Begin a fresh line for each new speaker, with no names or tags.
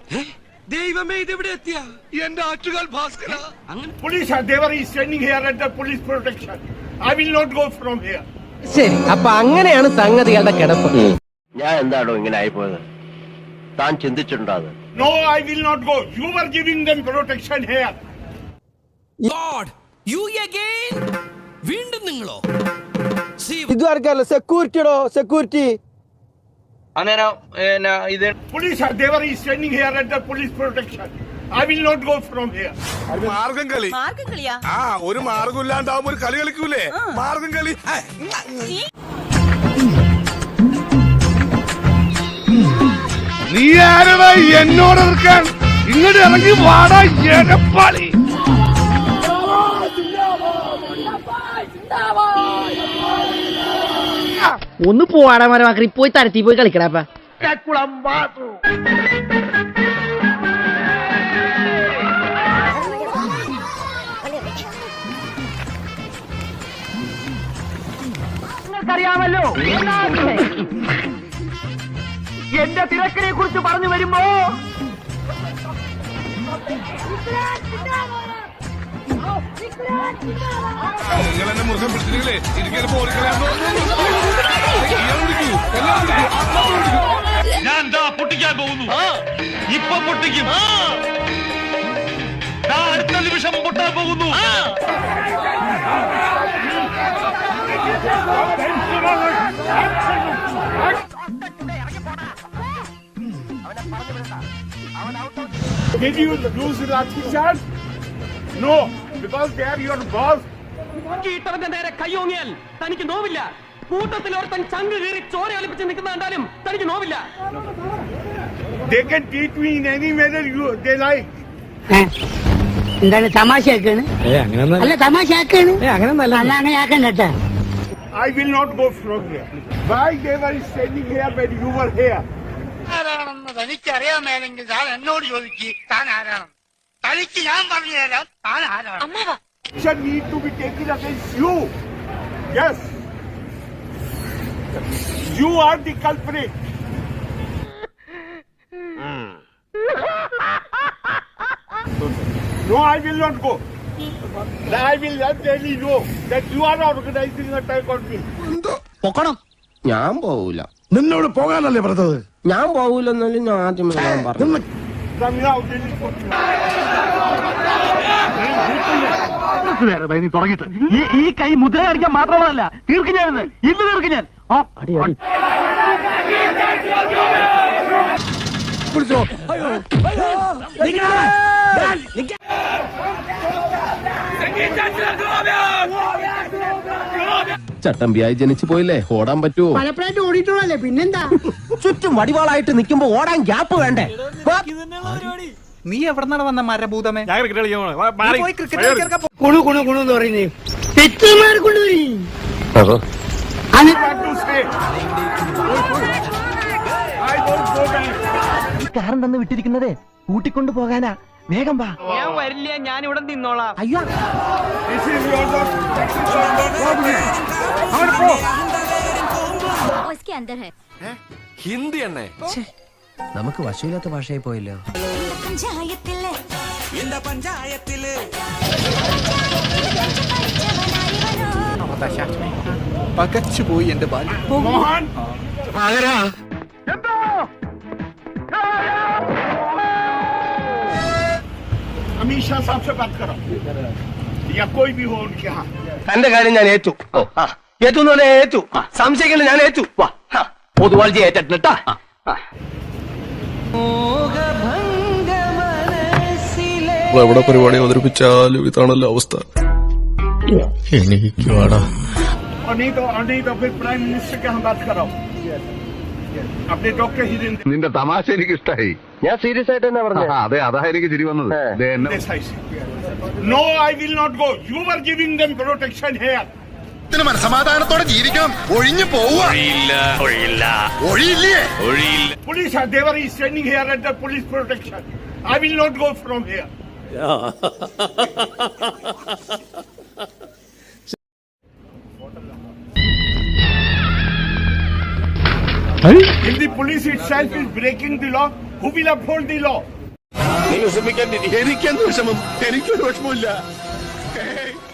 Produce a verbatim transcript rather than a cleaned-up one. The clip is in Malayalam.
ദൈവമേ ഇതെവിടെ എത്തിയ എന്റെ Attukal Bhaskara.
Police are there is standing here under police protection. I will not go from here.
ശരി, അപ്പൊ അങ്ങനെയാണ് സംഗതികളുടെ കിടപ്പ്.
ഞാൻ എന്താണോ ഇങ്ങനെ ആയിപ്പോയത്? താൻ ചിന്തിച്ചിട്ടുണ്ടോ അത്?
No, I will not go. You were giving them protection here.
God, you again? വീണ്ടും നിങ്ങളോ?
ഇതുവരെക്കല്ല സെക്യൂരിറ്റിയോ security.
Police are there is standing here under police protection. I will not go from here.
മാർഗം കളി
മാർഗം കളിയാ?
ആ ഒരു മാർഗം ഇല്ലാണ്ടാവുമ്പോ ഒരു കളി കളിക്കൂലേ? മാർഗം കളി. നീ ആരടാ എന്നോട് എതിർക്കാൻ? ഇങ്ങോട്ട് ഇറങ്ങി വാടാ എടപ്പാളി.
ഒന്ന് പോവാടാ മരമാക്കി പോയി തരത്തി പോയി കളിക്കടാ. നിങ്ങൾക്കറിയാമല്ലോ എന്റെ തിരക്കിനെ കുറിച്ച് പറഞ്ഞു വരുമ്പോ
നിങ്ങൾ എന്നെ മുറുകെ പിടിച്ചില്ലേ? ഇരിക്കൽ പോളിക്കളയാന്നോ?
ഞാൻ ദാ പൊട്ടിക്കാൻ പോകുന്നു. ഇപ്പൊ പൊട്ടിക്കും. അടുത്ത നിമിഷം പൊട്ടാൻ പോകുന്നു.
Did you use lathi charge? No, because they are your boss.
കീട്ടവന്റെ നേരെ കയ്യോങ്ങിയാൽ തനിക്ക് നോവില്ല. കൂട്ടത്തിൽ ഒരുത്തൻ ചങ്ക് കീറി ചോര ഒലിപ്പിച്ച് നിൽക്കുന്ന കണ്ടാലും തനിക്ക് നോവില്ല.
They can treat me in any manner you they like.
എന്താണ് തമാശയാക്കാണ്? അല്ല തമാശയാക്കാണ്. അങ്ങനെ ആക്കണ്ട.
I will not go from here. Why they were standing here when you were here?
ആരാണെന്ന് തനിക്കറിയാമേലെങ്കിൽ താൻ എന്നോട് ചോദിക്ക്. താൻ ആരാണ്? തനിക്ക് ഞാൻ പറഞ്ഞു തരാം താൻ ആരാണ്.
Action need to be taken against you. Yes. You are the culprit. No, I will not go. I will tell you know that you are organizing an attack on me.
പൊക്കണം.
ഞാൻ പോവൂല.
നിന്നോട് പോകാനല്ലേ പറഞ്ഞത്?
ഞാൻ പോവൂലെന്നല്ലേ ഞാൻ ആദ്യമേ ഞാൻ പറഞ്ഞു.
Come out.
നീ തുടങ്ങിട്ട് ഈ കൈ മുദ്ര അടിക്കാൻ മാത്രമല്ല തീർക്കും ഞാൻ ഇന്ന് തീർക്കും ഞാൻ.
ചട്ടമ്പിയായി ജനിച്ചു പോയില്ലേ, ഓടാൻ പറ്റുമോ?
പലപ്പോഴായിട്ട് ഓടിയിട്ടുള്ളല്ലേ, പിന്നെന്താ?
ചുറ്റും വടിവാളായിട്ട് നിൽക്കുമ്പോ ഓടാൻ ഗ്യാപ്പ് വേണ്ടേ?
നീ എവിടെന്നാണ് വന്ന മരഭൂതമേ?
കുണു കുണു കുണു എന്ന് പറയുന്നേ തെറ്റുമാർ കൊണ്ടുവരി.
കാരൻ തന്ന് വിട്ടിരിക്കുന്നതേ കൂട്ടിക്കൊണ്ടു പോകാനാ. വേഗം വാ. ഞാൻ വരില്ല, ഞാൻ ഇവിടെ നിന്നോളാം. അയ്യോ
ഹിന്ദി എണ്ണേ.
നമുക്ക് വശമില്ലാത്ത ഭാഷയായി പോയല്ലോ.
പകച്ചുപോയി എന്റെ ബാല്യം.
Mohan. अमीशा साहब से बात करो या कोई भी हो उनके यहाँ.
തന്റെ കാര്യം ഞാൻ ഏറ്റു. ഏറ്റു എന്ന് പറഞ്ഞാൽ ഏറ്റു. സംശയിക്കണ്ട, ഞാൻ ഏറ്റു. പൊതുവാൾജി ഏറ്റിട്ടാ.
എവിടെ പരിപാടി അവതരിപ്പിച്ചാലും ഇതാണല്ലോ അവസ്ഥ. എനിക്ക് വേടാ.
और नहीं तो और नहीं तो फिर प्राइम मिनिस्टर के यहाँ बात कराओ. अपने डॉक्टर हिरेंद्र.
നിന്റെ തമാശ എനിക്ക് ഇഷ്ടായി.
ഞാൻ സീരിയസ് ആയിട്ട് തന്നെ പറഞ്ഞു.
അതെ, അതാ എനിക്ക് ചിരി വന്നത്.
No, I will not go. You were giving them protection here.
മനസമാധാനത്തോടെ ജീവിക്കണം. ഒഴിഞ്ഞു പോവുക. ഒഴിയില്ലേ?
Police are there is standing here under police protection. I will not go from here. If the police itself is breaking the law, who will uphold the law? നീ വിഷമിക്കാൻ എനിക്കെന്ത് വിഷമം? എനിക്കൊരു വിഷമമില്ല.